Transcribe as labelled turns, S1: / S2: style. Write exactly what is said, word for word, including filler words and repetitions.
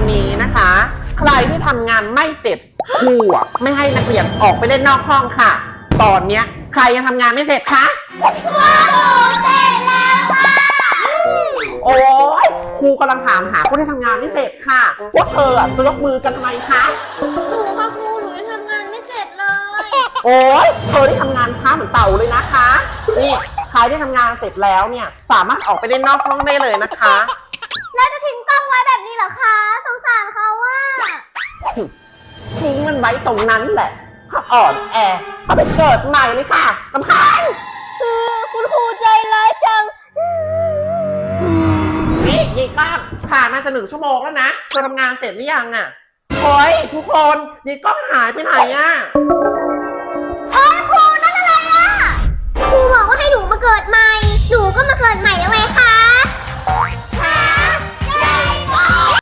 S1: นี้นะคะ ใครที่ทำงานไม่เสร็จครูอะไม่ให้นักเรียนออกไปเล่นนอกห้องค่ะ ตอนเนี้ยใครยังทำงานไม่เสร็จคะครูเสร็จแล้วค่ะโอ้ยครูกำลังถามหาคนที่ทำงานไม่เสร็จค่ะพวกเธออะจะยกมือกันทำไมคะ
S2: หนูค่ะครูหนูยังทำงานไม่เสร็จเลย
S1: โอ้ยเธอได้ทำงานช้าเหมือนเต่าเลยนะคะนี่ใครที่ทำงานเสร็จแล้วเนี่ยสามารถออกไปเล่นนอกห้องได้เลยนะคะ
S2: แล้วจะทิ้งกล้องไว้แบบนี้เหรอคะสงสารเขาว่า
S1: ทิ้งมันไว้ตรงนั้นแหละถ้าอ่อนแอเอาไปเกิดใหม่เลยค่ะลำพัง
S2: คุณครูใจร้ายจัง
S1: นี่ยีก้องผ่านมาจะหนึ่งชั่วโมงแล้วนะเธอทำงานเสร็จหรือยังอ่ะโอ้ยทุกคนยีก้องหายไปไหนอ่ะ
S2: เฮ้ยครูนั่นอะไรอ่ะครูบอกว่าให้หนูมาเกิดใหม่ หนูก็มาเกิดใหม่แล้วไงคะ